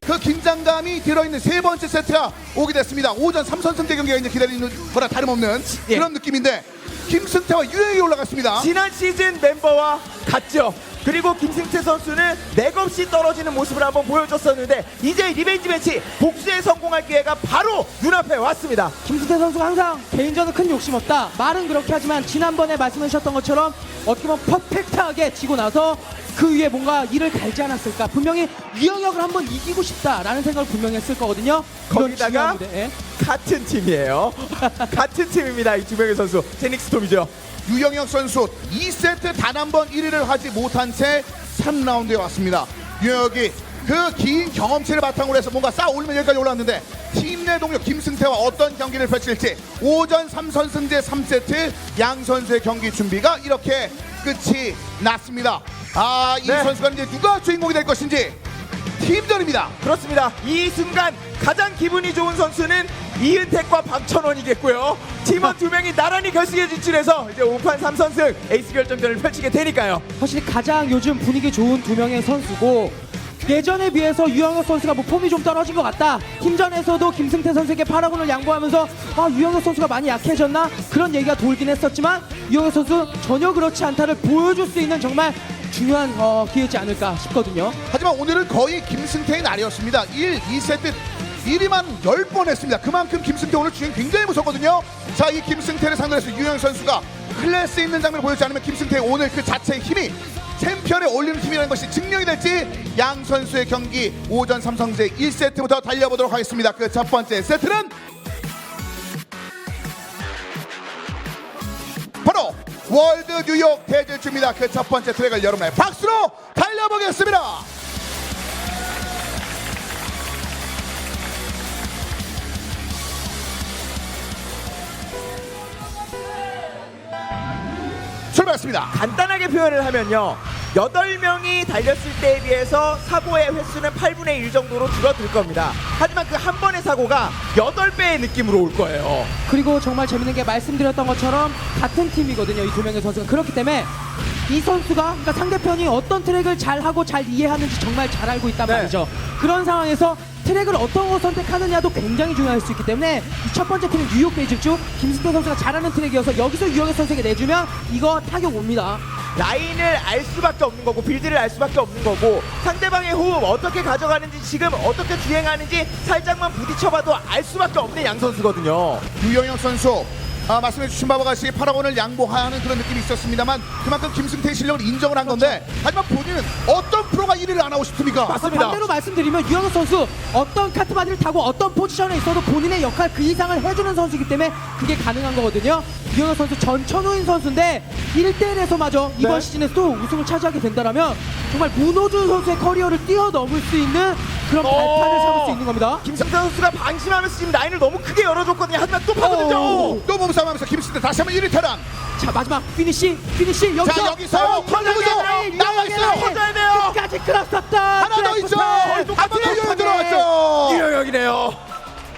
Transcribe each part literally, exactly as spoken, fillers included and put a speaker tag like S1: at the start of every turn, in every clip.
S1: 그 긴장감이 들어있는 세 번째 세트가 오게 됐습니다. 오전 삼 선승제 경기가 이제 기다리는 거나 다름없는
S2: 예.
S1: 그런 느낌인데 김승태와 유영혁이 올라갔습니다.
S2: 지난 시즌 멤버와 같죠. 그리고 김승태 선수는 맥없이 떨어지는 모습을 한번 보여줬었는데 이제 리벤지 매치 복수에 성공할 기회가 바로 눈앞에 왔습니다.
S3: 김승태 선수가 항상 개인전은 큰 욕심 없다. 말은 그렇게 하지만 지난번에 말씀해 주셨던 것처럼 어떻게 보면 퍼펙트하게 지고 나서 그 위에 뭔가 이를 갈지 않았을까. 분명히 유영혁을 한번 이기고 싶다라는 생각을 분명히 했을 거거든요. 이런
S2: 거기다가
S3: 중요한 무대. 예.
S2: 같은 팀이에요. 같은 팀입니다. 이 두 명의 선수. 제닉스톰이죠.
S1: 유영혁 선수 이 세트 단 한 번 일 위를 하지 못한 채 삼 라운드에 왔습니다. 유영혁이 그 긴 경험치를 바탕으로 해서 뭔가 쌓아 올리면 여기까지 올라왔는데 팀 내 동료 김승태와 어떤 경기를 펼칠지 오전 삼 선승제 삼 세트 양 선수의 경기 준비가 이렇게 끝이 났습니다. 아, 이
S2: 네.
S1: 선수가 이제 누가 주인공이 될 것인지 팀전입니다.
S2: 그렇습니다. 이 순간 가장 기분이 좋은 선수는 이은택과 박천원이겠고요. 팀원 두 명이 나란히 결승에 진출해서 이제 오 판 삼 선승 에이스 결정전을 펼치게 되니까요.
S3: 확실히 가장 요즘 분위기 좋은 두 명의 선수고 예전에 비해서 유영혁 선수가 뭐 폼이 좀 떨어진 것 같다. 팀전에서도 김승태 선수에게 파라곤을 양보하면서 아 유영혁 선수가 많이 약해졌나 그런 얘기가 돌긴 했었지만 유영혁 선수 전혀 그렇지 않다를 보여줄 수 있는 정말 중요한 어, 기회지 않을까 싶거든요.
S1: 하지만 오늘은 거의 김승태의 날이었습니다. 일, 이 세트 일 위만 열 번 했습니다. 그만큼 김승태 오늘 주행 굉장히 무섭거든요. 자, 이 김승태를 상대로 해서 유영 선수가 클래스 있는 장면을 보여주지 않으면 김승태의 오늘 그 자체의 힘이 챔피언에 올리는 힘이라는 것이 증명이 될지 양 선수의 경기 오전 삼성제 일 세트부터 달려보도록 하겠습니다. 그 첫 번째 세트는 바로 월드 뉴욕 대질주입니다. 그 첫 번째 트랙을 여러분의 박수로 달려보겠습니다. 출발했습니다.
S2: 간단하게 표현을 하면요. 여덟 명이 달렸을 때에 비해서 사고의 횟수는 팔분의 일 정도로 줄어들 겁니다. 하지만 그 한 번의 사고가 여덟 배의 느낌으로 올 거예요.
S3: 그리고 정말 재밌는 게 말씀드렸던 것처럼 같은 팀이거든요. 이 두 명의 선수가. 그렇기 때문에 이 선수가 그러니까 상대편이 어떤 트랙을 잘하고 잘 이해하는지 정말 잘 알고 있단
S2: 네.
S3: 말이죠. 그런 상황에서 트랙을 어떤 거 선택하느냐도 굉장히 중요할 수 있기 때문에 이 첫 번째 트랙 뉴욕 베이직주 김승태 선수가 잘하는 트랙이어서 여기서 유영혁 선수에게 내주면 이거 타격 옵니다.
S2: 라인을 알 수밖에 없는 거고 빌드를 알 수밖에 없는 거고 상대방의 호흡 어떻게 가져가는지 지금 어떻게 주행하는지 살짝만 부딪혀봐도 알 수밖에 없는 양 선수거든요.
S1: 유영혁 선수 아, 말씀해주신 바와 같이 파라곤을 양보하는 그런 느낌이 있었습니다만 그만큼 김승태의 실력을 인정을 한 건데 하지만 본인은 어떤 프로가 일 위를 안 하고 싶습니까?
S2: 맞습니다.
S3: 반대로 말씀드리면 유영혁 선수 어떤 카트바디를 타고 어떤 포지션에 있어도 본인의 역할 그 이상을 해주는 선수이기 때문에 그게 가능한 거거든요. 유영혁 선수 전천후인 선수인데 일 대 일에서마저 이번
S2: 네.
S3: 시즌에 또 우승을 차지하게 된다면 정말 문호준 선수의 커리어를 뛰어넘을 수 있는 그런 발판을
S2: 어.
S3: 삼을 수 있는 겁니다.
S2: 김승태 선수가 방심하면서 지금 라인을 너무 크게 열어줬거든요. 하지만 또 파고들죠.
S1: 오, 또 몸싸움하면서 김승태 다시 한번 일 위 탈환.
S3: 자 마지막 피니시 피니시 여기서
S1: 자, 여기서
S2: 터져야 돼요.
S1: 나와 있어요.
S2: 터져야 돼요.
S3: 끝까지 끌었었다.
S1: 하나 더 있죠. 한번 더 유영 들어왔죠.
S2: 유영혁이네요.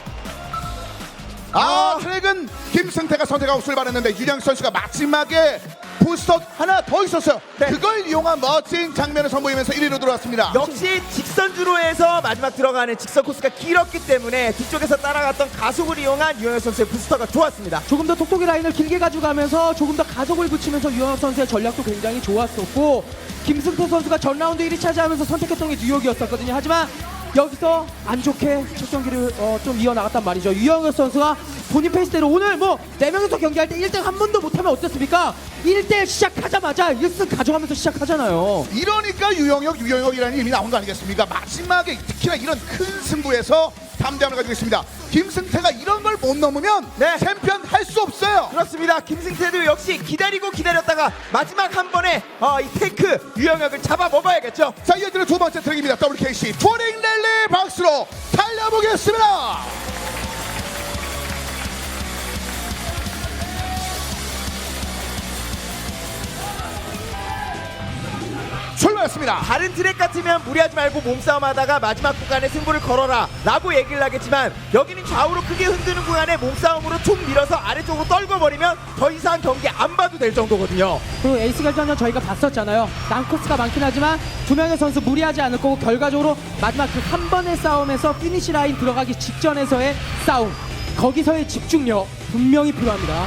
S1: 아, 트랙은 김승태가 선택하고 출발했는데 유영 선수가 마지막에 부스터 하나 더 있었어요.
S2: 네.
S1: 그걸 이용한 멋진 장면을 선보이면서 일 위로 들어왔습니다.
S2: 역시 직선주로 해서 마지막 들어가는 직선 코스가 길었기 때문에 뒤쪽에서 따라갔던 가속을 이용한 유영혁 선수의 부스터가 좋았습니다.
S3: 조금 더 톡톡이 라인을 길게 가져가면서 조금 더 가속을 붙이면서 유영혁 선수의 전략도 굉장히 좋았었고 김승태 선수가 전 라운드 일 위 차지하면서 선택했던 게 뉴욕이었었거든요. 하지만 여기서 안 좋게 첫 경기를 어, 좀 이어나갔단 말이죠. 유영혁 선수가 본인 페이스대로 오늘 뭐 네 명이서 경기할 때 일 등 한 번도 못하면 어땠습니까? 일 대 일 시작하자마자 일 승 가져가면서 시작하잖아요.
S1: 이러니까 유영혁, 유영혁이라는 이름이 나온 거 아니겠습니까? 마지막에 특히나 이런 큰 승부에서 담대함을 가지고 있습니다. 김승태가 이런 걸 못 넘으면
S2: 네.
S1: 챔피언 할 수 없어요.
S2: 그렇습니다. 김승태도 역시 기다리고 기다렸다가 마지막 한 번에 어, 이 테이크 유영혁을 잡아 먹어야겠죠.
S1: 자, 이어지는 두 번째 트랙입니다. 더블유케이씨 투어링 랠리 박수로 달려보겠습니다. 출발! 출발했습니다.
S2: 다른 트랙 같으면 무리하지 말고 몸싸움 하다가 마지막 구간에 승부를 걸어라 라고 얘기를 하겠지만 여기는 좌우로 크게 흔드는 구간에 몸싸움으로 툭 밀어서 아래쪽으로 떨궈버리면 더 이상 경기 안 봐도 될 정도거든요.
S3: 그리고 에이스 결전전 저희가 봤었잖아요. 난코스가 많긴 하지만 두 명의 선수 무리하지 않을 거고 결과적으로 마지막 그 한 번의 싸움에서 피니시 라인 들어가기 직전에서의 싸움, 거기서의 집중력 분명히 필요합니다.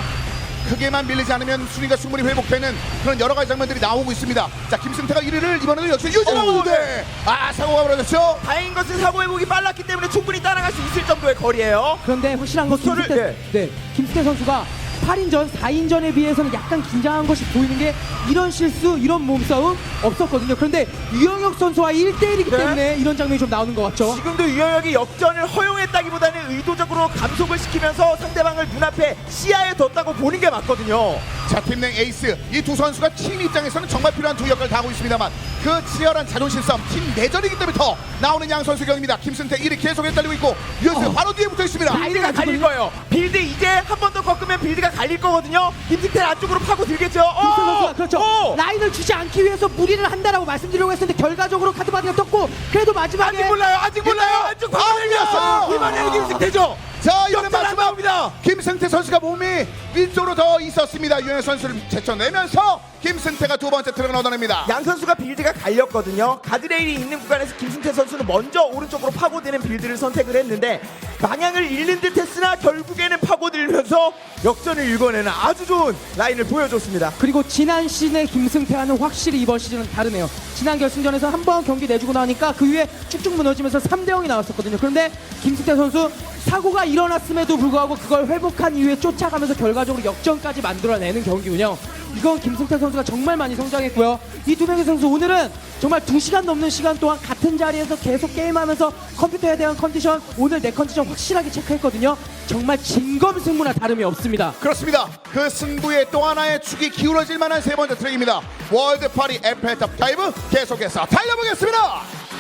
S1: 크게만 밀리지 않으면 순위가 충분히 회복되는 그런 여러 가지 장면들이 나오고 있습니다. 자, 김승태가 일 위를 이번에도 역시 유지하고 있는데 아, 사고가 벌어졌죠.
S2: 다행인 것은 사고 회복이 빨랐기 때문에 충분히 따라갈 수 있을 정도의 거리예요.
S3: 그런데 확실한 건
S2: 부스터를-
S3: 김승태, 네, 김승태 선수가 팔 인전, 사 인전에 비해서는 약간 긴장한 것이 보이는 게 이런 실수, 이런 몸싸움 없었거든요. 그런데 유영혁 선수와 일 대일이기
S2: 네.
S3: 때문에 이런 장면이 좀 나오는 것 같죠.
S2: 지금도 유영혁이 역전을 허용했다기보다는 의도적으로 감속을 시키면서 상대방을 눈앞에 시야에 뒀다고 보는 게 맞거든요.
S1: 자, 팀내 에이스 이 두 선수가 팀 입장에서는 정말 필요한 두 역할을 다 하고 있습니다만 그 치열한 자존심 싸움, 팀 내전이기 때문에 더 나오는 양 선수 경입니다. 김승태 일 위 계속 헷갈리고 있고 유현수가
S3: 어.
S1: 바로 뒤에 붙어 있습니다.
S2: 빌드가 갈릴 거예요. 빌드 이제 한 번 더 꺾으면 빌드가 갈릴 거거든요. 김승태를 안쪽으로 파고 들겠죠.
S3: 김승태
S2: 어!
S3: 선수가 그렇죠.
S2: 어!
S3: 라인을 주지 않기 위해서 무리를 한다라고 말씀드리려고 했었는데 결과적으로 카드바디가 떴고 그래도 마지막에
S2: 아직 몰라요. 아직 몰라요. 안쪽 파고
S1: 아,
S2: 들렸어. 이번에는 김승태죠.
S1: 자, 이번엔
S2: 역전 안
S1: 마지막
S2: 나옵니다.
S1: 김승태 선수가 몸이 위쪽으로 더 있었습니다. 유현 선수를 제쳐내면서 김승태가 두 번째 트랙을 얻어냅니다.
S2: 양 선수가 빌드가 갈렸거든요. 가드레일이 있는 구간에서 김승태 선수는 먼저 오른쪽으로 파고드는 빌드를 선택을 했는데 방향을 잃는 듯 했으나 결국에는 파고들면서 역전을 일궈내는 아주 좋은 라인을 보여줬습니다.
S3: 그리고 지난 시즌의 김승태와는 확실히 이번 시즌은 다르네요. 지난 결승전에서 한 번 경기 내주고 나니까 그 위에 쭉쭉 무너지면서 삼 대 영이 나왔었거든요. 그런데 김승태 선수 사고가 일어났음에도 불구하고 그걸 회복한 이후에 쫓아가면서 결과적으로 역전까지 만들어내는 경기 운영. 이건 김승태 선수가 정말 많이 성장했고요. 이 두 명의 선수 오늘은 정말 두 시간 넘는 시간 동안 같은 자리에서 계속 게임하면서 컴퓨터에 대한 컨디션, 오늘 내 컨디션 확실하게 체크했거든요. 정말 진검승부나 다름이 없습니다.
S1: 그렇습니다. 그 승부의 또 하나의 축이 기울어질 만한 세 번째 트랙입니다. 월드 파리 에펠탑 다이브 계속해서 달려보겠습니다.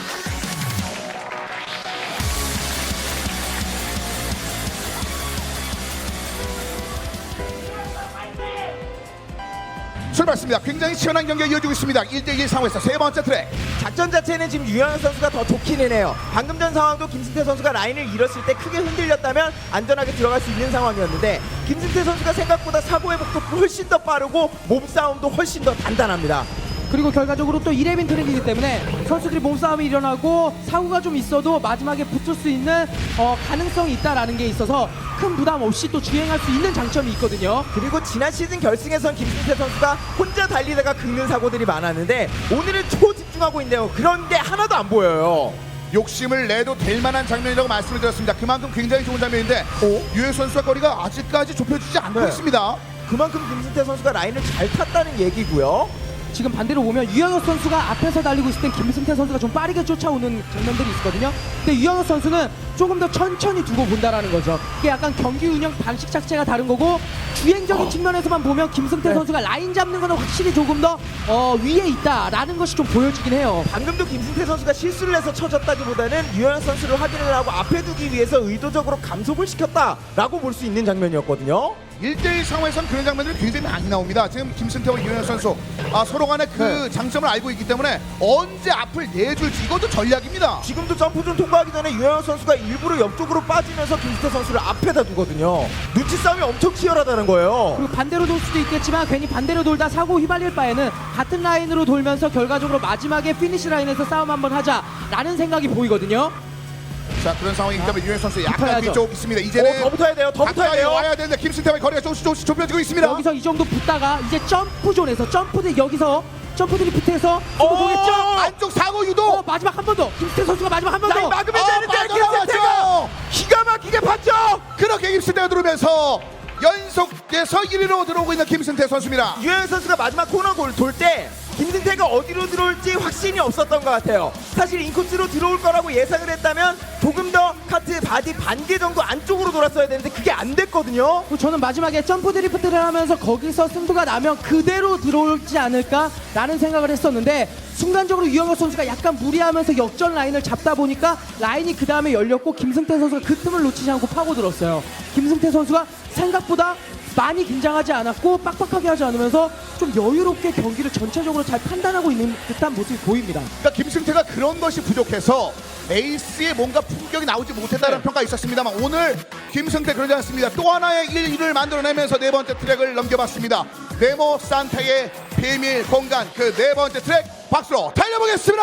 S1: 출발했습니다. 굉장히 치열한 경기가 이어지고 있습니다. 일 대 일 상황에서 세 번째 트랙.
S2: 작전 자체는 지금 유영혁 선수가 더 좋기는 해요. 방금 전 상황도 김승태 선수가 라인을 잃었을 때 크게 흔들렸다면 안전하게 들어갈 수 있는 상황이었는데 김승태 선수가 생각보다 사고 회복도 훨씬 더 빠르고 몸싸움도 훨씬 더 단단합니다.
S3: 그리고 결과적으로 또 일 회빈 트랙이기 때문에 선수들이 몸싸움이 일어나고 사고가 좀 있어도 마지막에 붙을 수 있는 어, 가능성이 있다라는 게 있어서 큰 부담 없이 또 주행할 수 있는 장점이 있거든요.
S2: 그리고 지난 시즌 결승에선 김승태 선수가 혼자 달리다가 긁는 사고들이 많았는데 오늘은 초집중하고 있는데요. 그런 게 하나도 안 보여요.
S1: 욕심을 내도 될 만한 장면이라고 말씀을 드렸습니다. 그만큼 굉장히 좋은 장면인데 유현 선수와 거리가 아직까지 좁혀지지 않고
S2: 네.
S1: 있습니다.
S2: 그만큼 김승태 선수가 라인을 잘 탔다는 얘기고요.
S3: 지금 반대로 보면 유영혁 선수가 앞에서 달리고 있을 땐 김승태 선수가 좀 빠르게 쫓아오는 장면들이 있거든요. 근데 유영혁 선수는 조금 더 천천히 두고 본다라는 거죠. 이게 약간 경기 운영 방식 자체가 다른 거고 주행적인 측면에서만 보면 김승태
S2: 네.
S3: 선수가 라인 잡는 거는 확실히 조금 더 어, 위에 있다라는 것이 좀 보여지긴 해요.
S2: 방금도 김승태 선수가 실수를 해서 쳐졌다기보다는 유영혁 선수를 확인을 하고 앞에 두기 위해서 의도적으로 감속을 시켰다라고 볼 수 있는 장면이었거든요.
S1: 일 대 일 상황에서는 그런 장면들이 굉장히 많이 나옵니다. 지금 김승태와 유현 선수 아, 서로 간에 그
S2: 네.
S1: 장점을 알고 있기 때문에 언제 앞을 내줄지 이것도 전략입니다.
S2: 지금도 점프존 통과하기 전에 유영혁 선수가 일부러 옆쪽으로 빠지면서 김승태 선수를 앞에다 두거든요. 눈치 싸움이 엄청 치열하다는 거예요.
S3: 그리고 반대로 돌 수도 있겠지만 괜히 반대로 돌다 사고 휘발릴 바에는 같은 라인으로 돌면서 결과적으로 마지막에 피니시 라인에서 싸움 한번 하자라는 생각이 보이거든요.
S1: 자, 그런 상황이기 때문에 유현 선수 약간
S3: 붙어야죠.
S1: 뒤쪽 있습니다. 이제는
S2: 어, 더 붙어야 돼요. 더 붙어야
S1: 가까이
S2: 돼요.
S1: 와야 되는데 김승태와 거리가 조금씩 조금씩 좁혀지고 있습니다.
S3: 여기서 이 정도 붙다가 이제 점프존에서 점프들 여기서 점프들이 붙어서
S2: 어,
S3: 보겠죠?
S1: 안쪽 사고 유도.
S3: 어, 마지막 한 번 더. 김승태 선수가 마지막 한 번
S2: 라인
S3: 더.
S2: 막으면
S1: 어,
S2: 되는데
S1: 빠져나왔죠.
S2: 김승태가 기가 막히게 봤죠.
S1: 그렇게 김승태가 들어오면서 연속해서 일 위로 들어오고 있는 김승태 선수입니다.
S2: 유영혁 선수가 마지막 코너 돌 때 김승태가 어디로 들어올지 확신이 없었던 것 같아요. 사실 인코스로 들어올 거라고 예상을 했다면 조금 더 카트 바디 반개 정도 안쪽으로 돌았어야 되는데 그게 안 됐거든요.
S3: 그리고 저는 마지막에 점프 드리프트를 하면서 거기서 승부가 나면 그대로 들어올지 않을까라는 생각을 했었는데 순간적으로 유영혁 선수가 약간 무리하면서 역전 라인을 잡다 보니까 라인이 그 다음에 열렸고 김승태 선수가 그 틈을 놓치지 않고 파고들었어요. 김승태 선수가 생각보다 많이 긴장하지 않았고 빡빡하게 하지 않으면서 좀 여유롭게 경기를 전체적으로 잘 판단하고 있는 듯한 모습이 보입니다.
S1: 그러니까 김승태가 그런 것이 부족해서 에이스의 뭔가 품격이 나오지 못했다는
S2: 네.
S1: 평가가 있었습니다만 오늘 김승태 그러지 않습니다. 또 하나의 일 위를 만들어내면서 네 번째 트랙을 넘겨봤습니다. 네모 산타의 비밀 공간 그 네 번째 트랙 박수로 달려보겠습니다.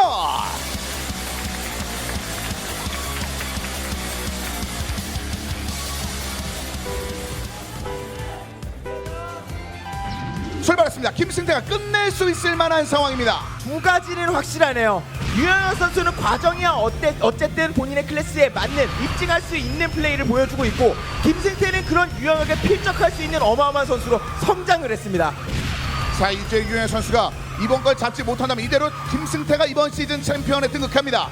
S1: 출발했습니다. 김승태가 끝낼 수 있을 만한 상황입니다.
S2: 두 가지는 확실하네요. 유영혁 선수는 과정이야 어때, 어쨌든 본인의 클래스에 맞는 입증할 수 있는 플레이를 보여주고 있고 김승태는 그런 유영혁에 필적할 수 있는 어마어마한 선수로 성장을 했습니다.
S1: 자, 이제 유현 선수가 이번 걸 잡지 못한다면 이대로 김승태가 이번 시즌 챔피언에 등극합니다.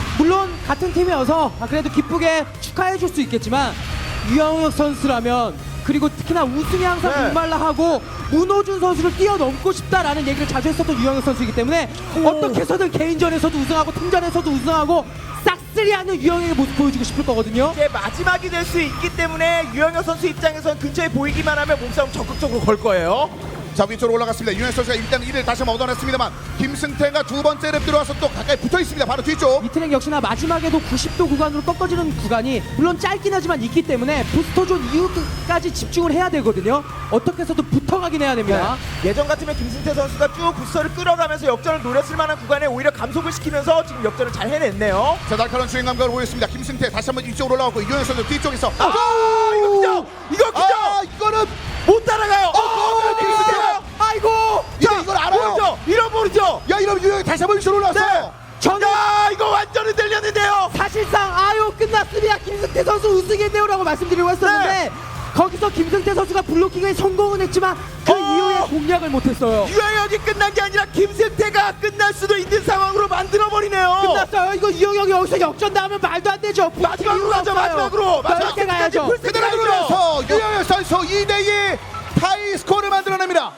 S3: 물론 같은 팀이어서 아, 그래도 기쁘게 축하해 줄 수 있겠지만 유영혁 선수라면 그리고 특히나 우승이 항상
S2: 네.
S3: 목말라 하고 문호준 선수를 뛰어넘고 싶다라는 얘기를 자주 했었던 유영혁 선수이기 때문에 어떻게 해서든 개인전에서도 우승하고 팀전에서도 우승하고 싹쓸이하는 유영혁의 모습 보여주고 싶을 거거든요.
S2: 이제 마지막이 될 수 있기 때문에 유영혁 선수 입장에선 근처에 보이기만 하면 몸싸움 적극적으로 걸 거예요.
S1: 자, 위쪽으로 올라갔습니다. 유현 선수가 일단 일 위를 다시 한번 얻어냈습니다만 김승태가 두 번째 랩 들어와서 또 가까이 붙어 있습니다. 바로 뒤쪽.
S3: 이 트랙 역시나 마지막에도 구십 도 구간으로 꺾어지는 구간이 물론 짧긴 하지만 있기 때문에 부스터존 이후까지 집중을 해야 되거든요. 어떻게 해서든 붙어가긴 해야 됩니다.
S2: 네. 예전 같으면 김승태 선수가 쭉 부스터를 끌어가면서 역전을 노렸을 만한 구간에 오히려 감속을 시키면서 지금 역전을 잘 해냈네요.
S1: 자, 날카로운 주행 감각을 보였습니다. 김승태 다시 한번 이쪽으로 올라가고 유현 선수 뒤쪽에서
S2: 아, 이거 그죠? 이거 그죠?
S1: 아, 이거는
S2: 못 따라가요. 어,
S1: 어,
S2: 김승태가.
S3: 아이고!
S1: 이거 이걸 알아요.
S2: 모르죠? 이런 모르죠?
S1: 야, 이러면 유현이 다시 한번 이쪽으로 올라왔어요.
S2: 네.
S3: 저는
S2: 야, 이거 완전 흔들렸는데요.
S3: 사실상 아유 끝났습니다. 김승태 선수 우승했네요라고 말씀드리고 했었는데
S2: 네.
S3: 거기서 김승태 선수가 블로킹에 성공은 했지만 그
S2: 어.
S3: 이후에 공략을 못했어요.
S2: 유영혁이 끝난 게 아니라 김승태가 끝날 수도 있는 상황으로 만들어버리네요.
S3: 끝났어요. 이거 이영혁이 여기서 역전 나오면 말도 안 되죠.
S2: 마지막으로 가죠, 마지막으로. 마지막
S3: 게 가야죠.
S2: 끝까지 풀
S1: 그대로 들어서 유현 선수 이 대 이 타이 스코어를 만들어냅니다.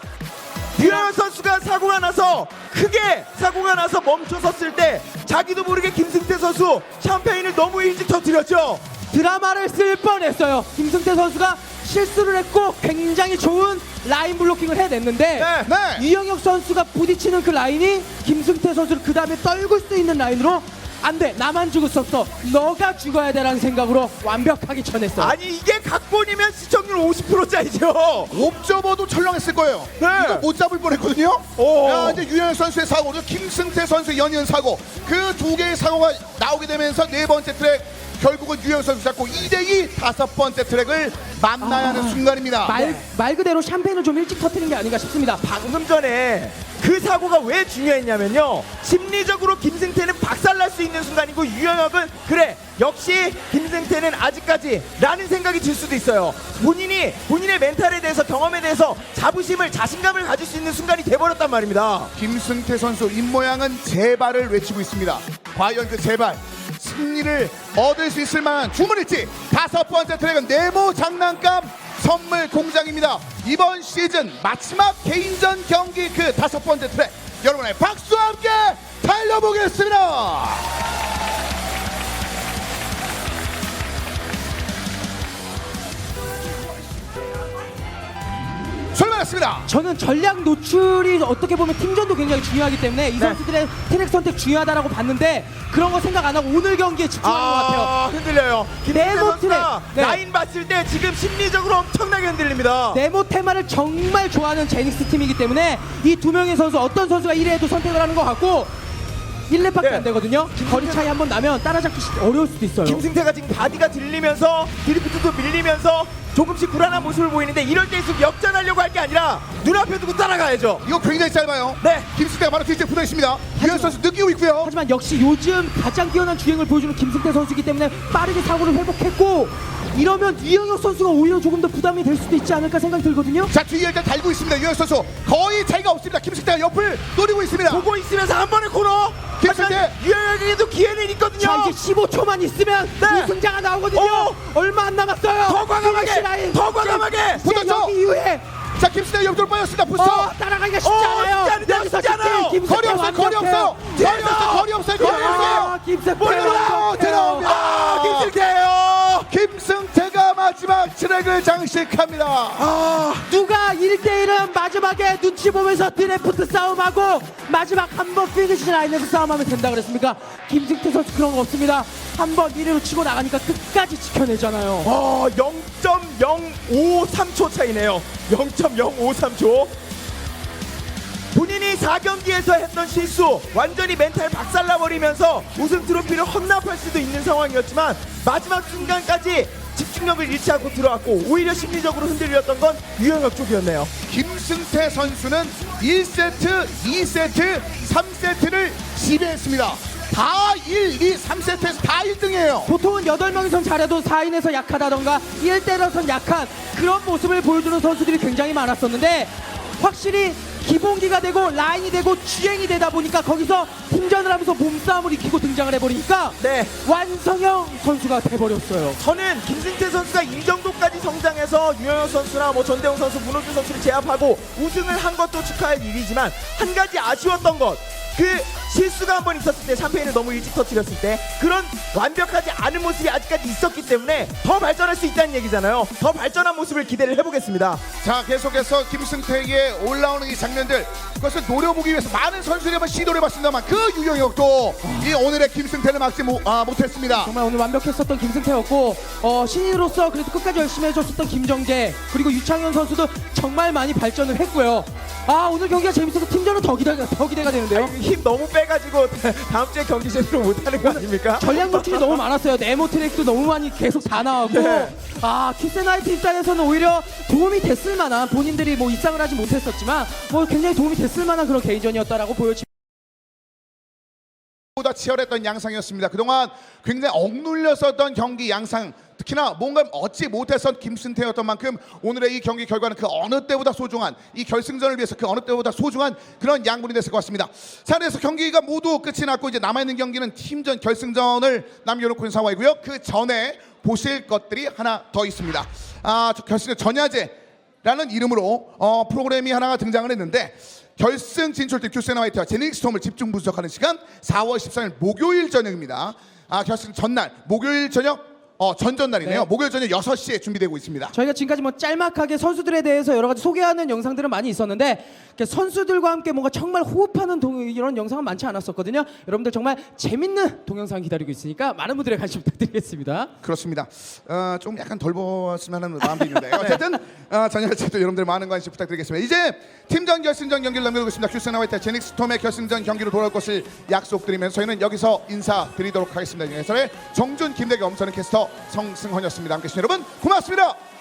S2: 유영혁 선수가 사고가 나서 크게 사고가 나서 멈춰섰을 때 자기도 모르게 김승태 선수 샴페인을 너무 일찍 터뜨렸죠.
S3: 드라마를 쓸 뻔했어요. 김승태 선수가 실수를 했고 굉장히 좋은 라인 블로킹을 해냈는데
S2: 네.
S1: 네.
S3: 이영혁 선수가 부딪히는 그 라인이 김승태 선수를 그 다음에 떨굴 수 있는 라인으로 안 돼, 나만 죽을 수 없어, 너가 죽어야 돼라는 생각으로 완벽하게 쳐냈어요.
S2: 아니 이게 각본이면 시청률 오십 퍼센트짜리죠.
S1: 옵저버도 철렁했을 거예요.
S2: 네.
S1: 이거 못 잡을 뻔했거든요.
S2: 오.
S1: 야, 이제 유현 선수의 사고, 그리고 김승태 선수의 연이은 사고, 그 두 개의 사고가 나오게 되면서 네 번째 트랙 결국은 유현 선수 잡고 이 대 이 다섯 번째 트랙을 만나야 하는
S3: 아,
S1: 순간입니다.
S3: 말, 말 그대로 샴페인을 좀 일찍 터뜨린 게 아닌가 싶습니다.
S2: 방금 전에 그 사고가 왜 중요했냐면요, 심리적으로 김승태는 박살날 수 있는 순간이고 유영혁은 그래 역시 김승태는 아직까지 라는 생각이 들 수도 있어요. 본인이 본인의 멘탈에 대해서 경험에 대해서 자부심을 자신감을 가질 수 있는 순간이 돼버렸단 말입니다.
S1: 김승태 선수 입모양은 제발을 외치고 있습니다. 과연 그 제발 승리를 얻을 수 있을 만한 주문일지. 다섯 번째 트랙은 네모 장난감 선물 공장입니다. 이번 시즌 마지막 개인전 경기 그 다섯 번째 트랙, 여러분의 박수와 함께 달려보겠습니다. 출발했습니다.
S3: 저는 전략 노출이 어떻게 보면 팀전도 굉장히 중요하기 때문에 이
S2: 네.
S3: 선수들의 트랙 선택 중요하다라고 봤는데 그런 거 생각 안 하고 오늘 경기에 집중하는 것 같아요.
S2: 아, 흔들려요. 김승태
S3: 네모
S2: 선수가
S3: 트랙. 네.
S2: 라인 봤을 때 지금 심리적으로 엄청나게 흔들립니다.
S3: 네모 테마를 정말 좋아하는 제닉스 팀이기 때문에 이 두 명의 선수 어떤 선수가 일 회에도 선택을 하는 것 같고 일 렙밖에
S2: 네.
S3: 안 되거든요. 거리 차이 한번 나면 따라잡기 어려울 수도 있어요.
S2: 김승태가 지금 바디가 들리면서 드리프트도 밀리면서 조금씩 불안한 모습을 보이는데 이럴 때일수록 역전하려고 할 게 아니라 눈앞에 두고 따라가야죠.
S1: 이거 굉장히 짧아요.
S2: 네.
S1: 김승태가 바로 뒤쪽에 붙어 있습니다. 유현 선수 느끼고 있고요.
S3: 하지만 역시 요즘 가장 뛰어난 주행을 보여주는 김승태 선수이기 때문에 빠르게 사고를 회복했고 이러면 이영혁 선수가 오히려 조금 더 부담이 될 수도 있지 않을까 생각이 들거든요.
S1: 자, 뒤에 일단 달고 있습니다. 유현 선수 거의 차이가 없습니다. 김승태가 옆을 노리고 있습니다.
S2: 보고 있으면서 한 번에 코너.
S1: 김승태.
S2: 하지만 유영혁에게도 기회는 있거든요.
S3: 자, 이제 십오 초만 있으면
S2: 네.
S3: 우승자가 나오거든요.
S2: 오.
S3: 얼마 안 남았어요.
S2: 더 과감하게,
S3: 피니시 라인.
S2: 더 과감하게.
S3: 이제
S1: 붙었죠?
S3: 여기 이후에
S1: 자, 김승태가 옆쪽으로 빠졌습니다. 부스터.
S3: 어, 따라가기가 쉽지
S2: 어,
S3: 않아요.
S2: 쉽지 않은데,
S3: 여기서
S2: 쉽지 않아요.
S3: 김승태
S1: 거리 없어요. 거리 없어요. 거리
S2: 뒤에서.
S1: 없어요. 거리 없어요. 거리 없어요.
S3: 아, 김승태
S1: 몰라요.
S3: 완벽해요.
S1: 들어옵니다.
S2: 아, 김승태예요.
S1: 김승태가 마지막 트랙 백을 장식합니다.
S3: 아, 누가 일 대 일은 마지막에 눈치 보면서 드래프트 싸움하고 마지막 한 번 피니시 라인에서 싸움하면 된다 그랬습니까? 김승태 선수 그런 거 없습니다. 한 번 일 위로 치고 나가니까 끝까지 지켜내잖아요.
S2: 어, 영 점 영오삼 초 차이네요. 영 점 영오삼 초. 본인이 사 경기에서 했던 실수 완전히 멘탈 박살나버리면서 우승 트로피를 헌납할 수도 있는 상황이었지만 마지막 순간까지 집중력을 잃지 않고 들어왔고 오히려 심리적으로 흔들렸던 건 유영혁 쪽이었네요.
S1: 김승태 선수는 일 세트, 이 세트, 삼 세트를 지배했습니다. 다 일, 이, 삼 세트에서 다 일 등이에요.
S3: 보통은 여덟 명이선 잘해도 사 인에서 약하다던가 일 대로선 약한 그런 모습을 보여주는 선수들이 굉장히 많았었는데 확실히 기본기가 되고 라인이 되고 주행이 되다 보니까 거기서 팀전을 하면서 몸싸움을 익히고 등장을 해버리니까
S2: 네.
S3: 완성형 선수가 돼버렸어요.
S2: 저는 김승태 선수가 이 정도까지 성장해서 유영혁 선수나 뭐 전대웅 선수, 문호준 선수를 제압하고 우승을 한 것도 축하할 일이지만 한 가지 아쉬웠던 것, 그 실수가 한 번 있었을 때 샴페인을 너무 일찍 터뜨렸을 때 그런 완벽하지 않은 모습이 아직까지 있었기 때문에 더 발전할 수 있다는 얘기잖아요. 더 발전한 모습을 기대를 해보겠습니다.
S1: 자, 계속해서 김승태에게 올라오는 이 장면들, 그것을 노려보기 위해서 많은 선수들이 한번 시도를 해봤습니다만 그 유영혁도 이 오늘의 김승태를 막지 못, 아, 못했습니다.
S3: 정말 오늘 완벽했었던 김승태였고 어, 신인으로서 그래도 끝까지 열심히 해줬었던 김정재 그리고 유창현 선수도 정말 많이 발전을 했고요. 아, 오늘 경기가 재밌어서 팀전은 더 기대가, 더 기대가 되는데요.
S2: 힘 너무 빼가지고 다음 주에 경기 제대로 못하는 거 아닙니까?
S3: 전략 노출이 너무 많았어요. 네모 트랙도 너무 많이 계속 다 나왔고
S2: 네.
S3: 아, 키스나이트 입장에서는 오히려 도움이 됐을 만한, 본인들이 뭐 입상을 하지 못했었지만 뭐 굉장히 도움이 됐을 만한 그런 개인전이었다라고 보여집니다.
S1: 보다 치열했던 양상이었습니다. 그동안 굉장히 억눌렸었던 경기 양상, 특히나 뭔가 얻지 못했던 김승태였던 만큼 오늘의 이 경기 결과는 그 어느 때보다 소중한, 이 결승전을 위해서 그 어느 때보다 소중한 그런 양분이 됐을 것 같습니다. 자, 그래서 경기가 모두 끝이 났고 이제 남아있는 경기는 팀전 결승전을 남겨놓고 있는 상황이고요. 그 전에 보실 것들이 하나 더 있습니다. 아, 저 결승전 전야제라는 이름으로 어, 프로그램이 하나가 등장을 했는데, 결승 진출팀 큐세나 화이트와 제닉스톰을 집중 분석하는 시간 사월 십삼일 목요일 저녁입니다. 아, 결승 전날 목요일 저녁 어, 전전날이네요.
S3: 네.
S1: 목요일 저녁 여섯 시에 준비되고 있습니다.
S3: 저희가 지금까지 뭐 짤막하게 선수들에 대해서 여러 가지 소개하는 영상들은 많이 있었는데 이렇게 선수들과 함께 뭔가 정말 호흡하는 동, 이런 영상은 많지 않았었거든요. 여러분들 정말 재밌는 동영상 기다리고 있으니까 많은 분들의 관심 부탁드리겠습니다.
S1: 그렇습니다. 어, 좀 약간 덜 보았으면 하는 마음도 있는데 어쨌든 어, 저녁에도 여러분들 많은 관심 부탁드리겠습니다. 이제 팀전 결승전 경기를 남겨두고 있습니다. 큐세나 화이트 제닉스톰의 결승전 경기로 돌아올 것을 약속드리면서 저희는 여기서 인사드리도록 하겠습니다. 해설의 정준, 김대겸, 저는 캐스터 성승헌이었습니다. 함께해 주신 여러분 고맙습니다.